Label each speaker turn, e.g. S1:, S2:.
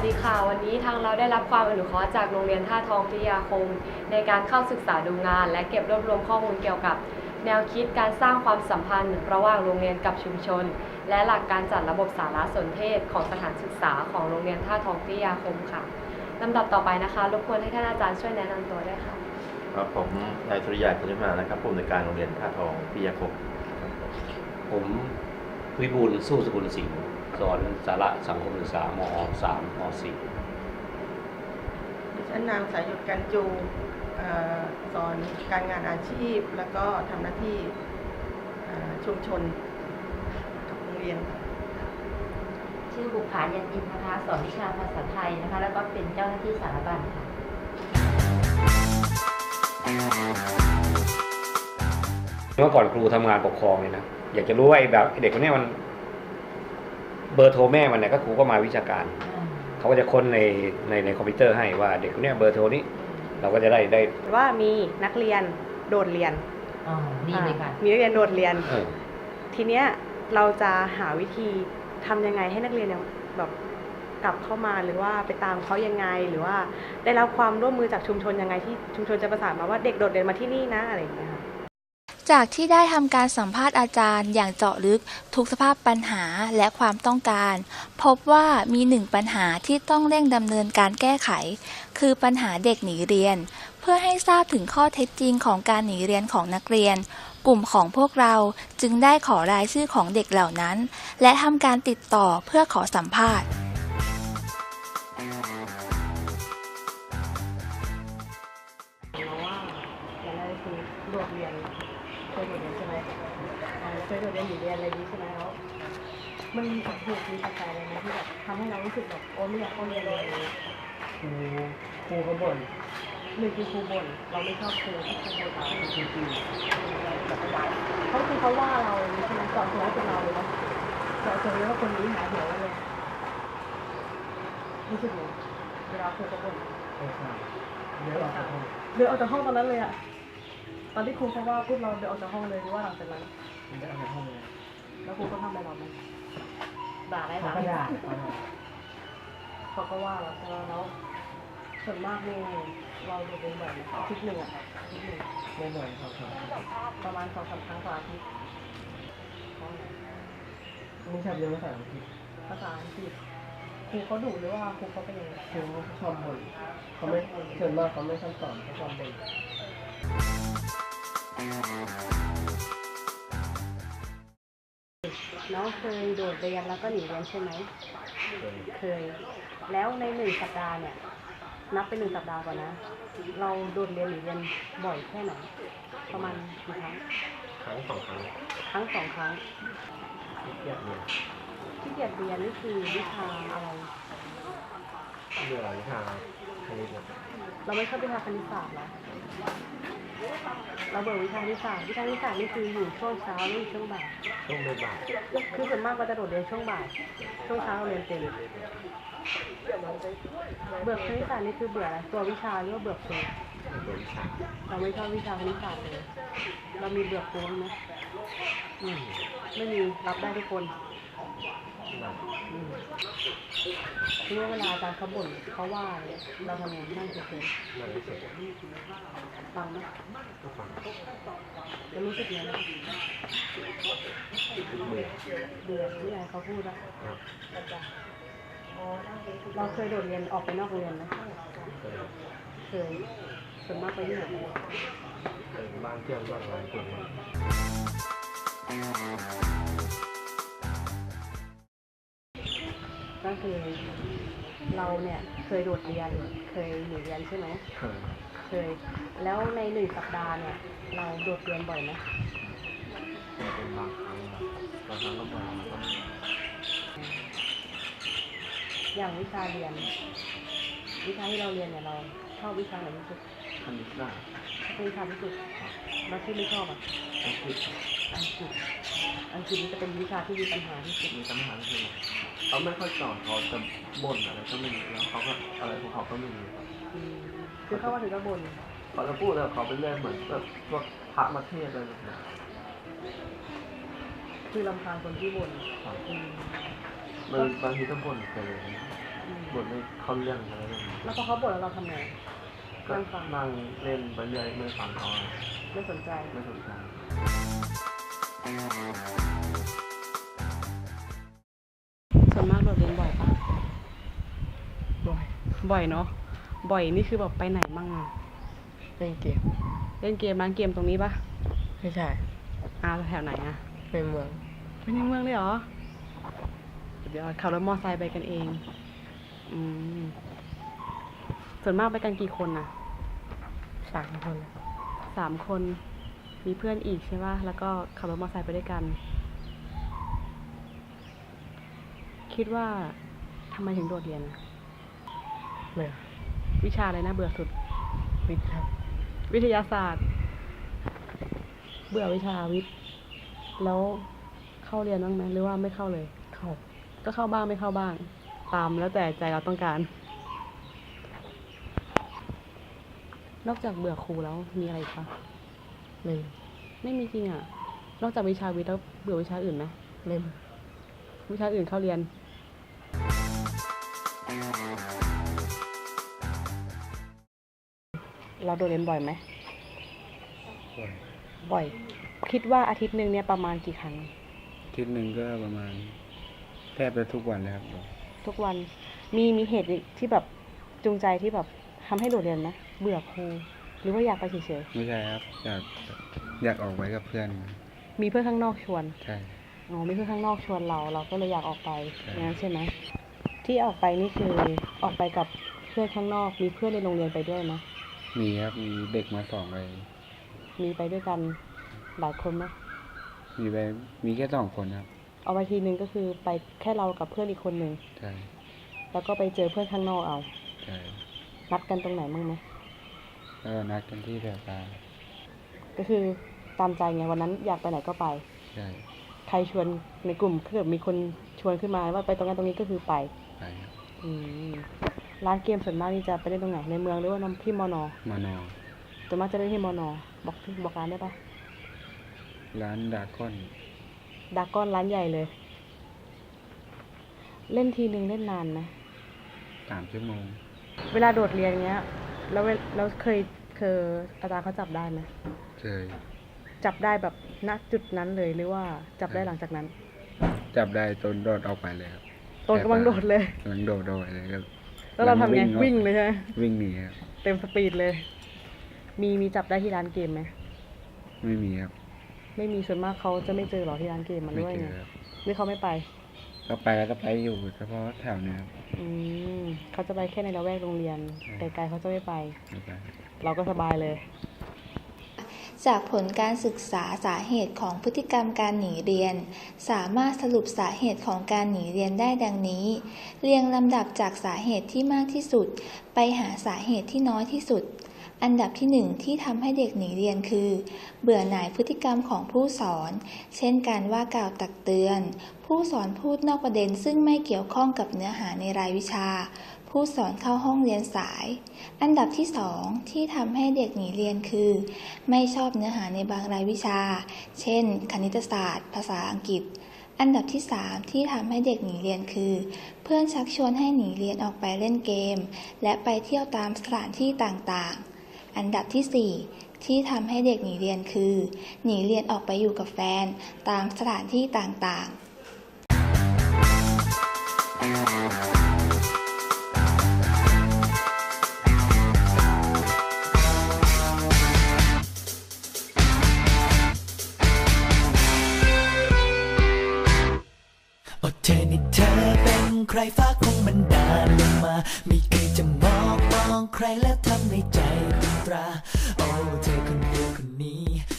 S1: ดีค่ะวันนี้ทางเราได้รับความอนุเคราะห์จากโรงเรียนท่าทองพิทยาคมในการเข้าศึกษาดูงานและเก็บรวบรวมข้อมูลเกี่ยวกับแนวคิดการสร้างความสัมพันธ์ระหว่างโรงเรียนกับชุมชนและหลักการจัดระบบสารสนเทศของสถานศึกษาของโรงเรียนท่าทองพิทยาคมค่ะลำดับต่อไปนะคะรบกวนให้ท่านอาจารย์ช่วยแนะนำตัวด้วยค่ะ
S2: ครับผมนายสุริยาคุณนิมานะครับผู้อำนวยการโรงเรียนท่าทองพิทยาคม
S3: ผมวิบูลย์สู้สกุลสิงห์สอนสาระสังคมศึกษาม.3 ม.4
S4: ดิฉันนางสายหยุดกันจูสอนการงานอาชีพแล้วก็ทำหน้าที่ชุมชนกับโรงเรียน
S5: ชื่อบุภายันอินนะคะสอนวิชาภาษาไทยนะคะแล้วก็เป็นเจ้าหน้าที่สารบัญค่ะ
S3: เมื่อก่อนครูทำงานปกครองเลยนะอยากจะรู้ว่าไอ้แบบเด็กคนนี้มันเบอร์โทรแม่มันเนี่ยก็ครูก็มาวิชาการเขาก็จะค้นในคอมพิวเตอร์ให้ว่าเด็กคนนี้เบอร์โทรนี้เราก็จะได้
S6: ว่ามีนักเรียนโดดเรียน
S5: ดีเลยค่ะ
S6: มีนักเรียนโดดเรียนทีเนี้ยเราจะหาวิธีทำยังไงให้นักเรียนเนี่ยแบบกลับเข้ามาหรือว่าไปตามเขายังไงหรือว่าได้รับความร่วมมือจากชุมชนยังไงที่ชุมชนจะประสานมาว่าเด็กโดดเรียนมาที่นี่นะอะไรอย่างเงี้ยค่ะ
S7: จากที่ได้ทำการสัมภาษณ์อาจารย์อย่างเจาะลึกทุกสภาพปัญหาและความต้องการพบว่ามีหนึ่งปัญหาที่ต้องเร่งดำเนินการแก้ไขคือปัญหาเด็กหนีเรียนเพื่อให้ทราบถึงข้อเท็จจริงของการหนีเรียนของนักเรียนกลุ่มของพวกเราจึงได้ขอรายชื่อของเด็กเหล่านั้นและทำการติดต่อเพื่อขอสัมภาษณ์
S6: โดดเรียนเคยโดดเรียนใช่ไหมเคยโดดเรียนอยู่เรียนอะไรนี้ใช่ไหมแล้วมันมีเหตุมีปัจจัยอะไรไหมที่แบบทำให้เรารู้สึกแบบโอ้ไม่อยากเข้าเรียนเลย
S4: ครูเขาบ่น
S6: หนึ่งคือครูบ่นเราไม่ชอบครูที่ครูบ่นเราจริงๆเขาคือเขาว่าเราใช่ไหมสอนตัวเป็นเราเลยนะสอนตัวว่าคนนี้หาหัวเลยรู้สึกไงเวลาครูเขาบ่นเดินออกจากห้องตอนนั้นเลยอะตอนที่ครูเขาว่าพูดเราเดินออกจากห้องเลยหรือว่าหลังจากนั้น
S4: เดินออกจากห้องเลย
S6: แล้วครูก็ทำอะไรเราไหมด่าได้ไหมเขาก็ว่าเราใช่ไหมแล้วส่วนมากนี่เราโดนเป็นบ่อยอาทิตย์หนึ่ง
S4: ไม่บ่อยครับ
S6: ประมาณ2-3 ครั้งต่ออาทิตย์
S4: ไม่ชอบเรียนภาษาอังกฤษ
S6: ภาษาอังกฤษครูเขาดุหรือว่าครูเขาเป็นยังไง
S4: ครูเขาชอบบ่นเขาไม่ส่วนมากเขาไม่ชอบสอนเขาชอบบ่น
S6: น้องเคยโดดเรียนแล้วก็หนีเรียนใช่ไหมเคยแล้วใน1 สัปดาห์เนี่ยนับเป็น1 สัปดาห์ก่อนนะเราโดดเรียนหนีเรียนบ่อยแค่ไหนประมาณกี่ครั้ง
S2: ครั้ง2 ครั้ง
S6: 2 ครั้ง
S2: ที่เกียรเรียน
S6: นี่คือวิชาอะไร
S2: เรื่องวิชาคณิต
S6: เราไม่ชอบวิชาคณิตศาสตร์หรอเราเบื่อวิชาคณิตศาสตร์นี่คืออยู่ช่วงเช้าหรือช่วงบ่ายคือส่วนมากเราจะโดดเรียนช่วงบ่ายช่วงเช้าเราเรียนเต็มเบื่อคณิตศาสตร์นี่คือเบื่ออะไรตัววิชาหรือว่าเบื่อครูเราไม่ชอบวิชาคณิตศาสตร์เลยเรามีเบื่อครูไหมไม่มีรับได้ทุกคนทีนี้เวลาอาจารย์เขาบ่นเขาว่าเราทำไงนั่งเฉยๆฟังไหมจะรู้สึกยังไงเบื่อที่ไงเขาพูดอะเราเคยโดดเรียนออกไปนอกโรงเรียนไหมเคยส่วนมากไปที่ไหน
S2: บ้านเที่ยวบ้านร้านเที่ยว
S6: ก็คือเราเนี่ยเคยโดดเรียนเคยหนีเรียนใช่ไหมเคยแล้วใน1 สัปดาห์เนี่ยเราโดดเรียนบ่อยไหม
S2: เป็นบางครั้งก็บ่อย
S6: อย่างวิชาเรียนวิชาที่เราเรียนเนี่ยเราชอบวิชาไหนที่สุด
S2: คณิตศาสตร์
S6: เป็นวิชาที่สุดแล้วที่ไม่ชอบอ่ะอังกฤษนี่จะเป็นวิชาที่มีปัญหาที่สุด
S2: เขาไม่ค่อยสอนเขาจะบ่นอะไรก็ไม่รู้แล้วเขาก็อะไรของเขาก็ไม่รู้
S6: คือเขาว่าถึงจะบ่น
S2: เขาจะพูดแล้วเขาไปเรื่อยเหมือนแบบพวกพระมาเทศอะไรแบบนี้
S6: คือรำคาญคนที่บ่น
S2: บางทีต้องบ่นเกินบทไม่เข้าเรื่องอะไรแบบนี้
S6: แล้วพอเขาบ่นแล้วเราทำไง
S2: ก็
S6: นั่งฟัง
S2: นั่งเล่นไปเรื่อยไม่ฟังเขา
S6: ไม่สนใจ
S2: ไม่สนใจ
S6: ส่วนมากโดดเรียนบ่อยปะ
S8: บ่อย
S6: บ่อยเนาะ บ่อยนี่คือแบบไปไหนมั่งอะ
S8: เล่นเกม
S6: เล่นเกมร้านเกมตรงนี้ปะ
S8: ไม่ใช่
S6: แถวไหนอะ
S8: ในเมือง
S6: ไปในเมืองเลยเหรอเดี๋ยวขับรถมอไซค์ไปกันเอง อืม ส่วนมากไปกันกี่คนน่ะ
S8: 3 คน
S6: 3 คน มีเพื่อนอีกใช่ปะแล้วก็ขับรถมอไซค์ไปด้วยกัน คิดว่าทำไมถึงโดดเรียนอะ
S8: เบื่อ
S6: วิชาอะไรนะเบื่อสุด
S8: วิทย์ครับ
S6: วิทยาศาสตร์ เบื่อวิชาวิทย์ แล้วเข้าเรียนบ้างไหมหรือว่าไม่เข้าเลย
S8: เข้า
S6: ก็เข้าบ้างไม่เข้าบ้าง ตามแล้วแต่ใจเราต้องการ นอกจากเบื่อครูแล้วมีอะไรอีกปะ
S8: ไม่
S6: ไม่มีจริงอ่ะ นอกจากวิชาวิทย์แล้วเบื่อวิชาอื่นไหม
S8: ไม่เบื่อ
S6: วิชาอื่นเข้าเรียน เราโดดเรียนบ่อยไหม บ่อย คิดว่าอาทิตย์หนึ่งเนี่ยประมาณกี่ครั้ง
S9: อาทิตย์หนึ่งก็ประมาณแทบจะทุกวันเลยครับ
S6: ทุกวัน มีเหตุที่แบบจูงใจที่แบบทำให้โดดเรียนไหมเบื่อครู หรือว่าอยากไปเฉย
S9: ไม่ใช่ครับ อยากออกไปกับเพื่อน
S6: ๆ มีเพื่อนข้างนอกชวน
S9: ใช่
S6: อ๋อ มีเพื่อนข้างนอกชวนเราก็เลยอยากออกไป
S9: ใช่
S6: อย่างนั้นใช่ไหม ที่ออกไปนี่คือออกไปกับเพื่อนข้างนอก มีเพื่อนในโรงเรียนไปด้วยไหม
S9: มีครับ มีเด็กมา2ไป
S6: มีไปด้วยกันหลายคนไหม
S9: มีแค่2 คนครับ
S6: เอาไปทีนึงก็คือไปแค่เรากับเพื่อนอีกคนหนึ่ง
S9: ใช่
S6: แล้วก็ไปเจอเพื่อนข้างนอกเอา
S9: ใช่
S6: นัดกันตรงไหนมั่งไหม
S9: แล้วก็นัดกันที่แถวตา
S6: ก็คือตามใจไงวันนั้นอยากไปไหนก็ไป
S9: ใช่
S6: ใครชวนในกลุ่มถ้าเกิดมีคนชวนขึ้นมาว่าไปตรงนั้นตรงนี้ก็คือไป
S9: ไปครับ
S6: อืมร้านเกมส่วนมากนี่จะไปเล่นตรงไหนในเมืองหรือว่าที่มอนอ
S9: มานอ
S6: ส่วนมากจะเล่นที่มอนอบอกร้านได้ปะ
S9: ร้านดากอน
S6: ดากอนร้านใหญ่เลย เล่นทีนึงเล่นนานไหม
S9: 3 ชั่วโมง
S6: เวลาโดดเรียนเงี้ยแล้วเคยอาจารย์เขาจับได้ไหม
S9: เคย
S6: จับได้แบบณจุดนั้นเลยหรือว่าจับได้หลังจากนั้น
S9: จับได้ตนโดดออกไปเลยครับ
S6: ตนกำลังโดดเลย
S9: กำลังโดดไปเลยครับ
S6: แล้วเราทำไง
S9: ออก
S6: วิ่งเลยใช่ไหม
S9: วิ่งหนีครับ
S6: เต็มสปีดเลย มีจับได้ที่ร้านเกมไหม
S9: ไม่มีครับ
S6: ไม่มีส่วนมากเขาจะไม่เจอหรอที่ร้านเกมมัน
S9: ไม่
S6: ด้วย
S9: เจ
S6: ไง
S9: อครับ
S6: หรือเขาไม่ไป
S9: ก็ไปแล้วก็ไปอยู่เฉพาะแถวเนี้ยครับ
S6: อืมเขาจะไปแค่ในละแวกโรงเรียน
S9: ใช่
S6: ไกลๆเขาจะไม่ไป
S9: ไม่ไป
S6: เราก็สบายเลย
S7: จากผลการศึกษาสาเหตุของพฤติกรรมการหนีเรียน สามารถสรุปสาเหตุของการหนีเรียนได้ดังนี้ เรียงลำดับจากสาเหตุที่มากที่สุด ไปหาสาเหตุที่น้อยที่สุด อันดับที่ 1 ที่ทำให้เด็กหนีเรียนคือ เบื่อหน่ายพฤติกรรมของผู้สอน เช่นการว่ากล่าวตักเตือน ผู้สอนพูดนอกประเด็นซึ่งไม่เกี่ยวข้องกับเนื้อหาในรายวิชา ผู้สอนเข้าห้องเรียนสาย อันดับที่ 2 ที่ทำให้เด็กหนีเรียนคือ ไม่ชอบเนื้อหาในบางรายวิชา เช่น คณิตศาสตร์ ภาษาอังกฤษ อันดับที่ 3 ที่ทำให้เด็กหนีเรียนคือ เพื่อนชักชวนให้หนีเรียนออกไปเล่นเกม และไปเที่ยวตามสถานที่ต่างๆ อันดับที่ 4 ที่ทำให้เด็กหนีเรียนคือ หนีเรียนออกไปอยู่กับแฟนตามสถานที่ต่างๆ
S10: โอ้เธอนี่เธอเป็นใครฟ้าคงบันดาลลงมาไม่เคยจะมองใครแล้วทำในใจตราโอ้เธอคนเดียวคนนี้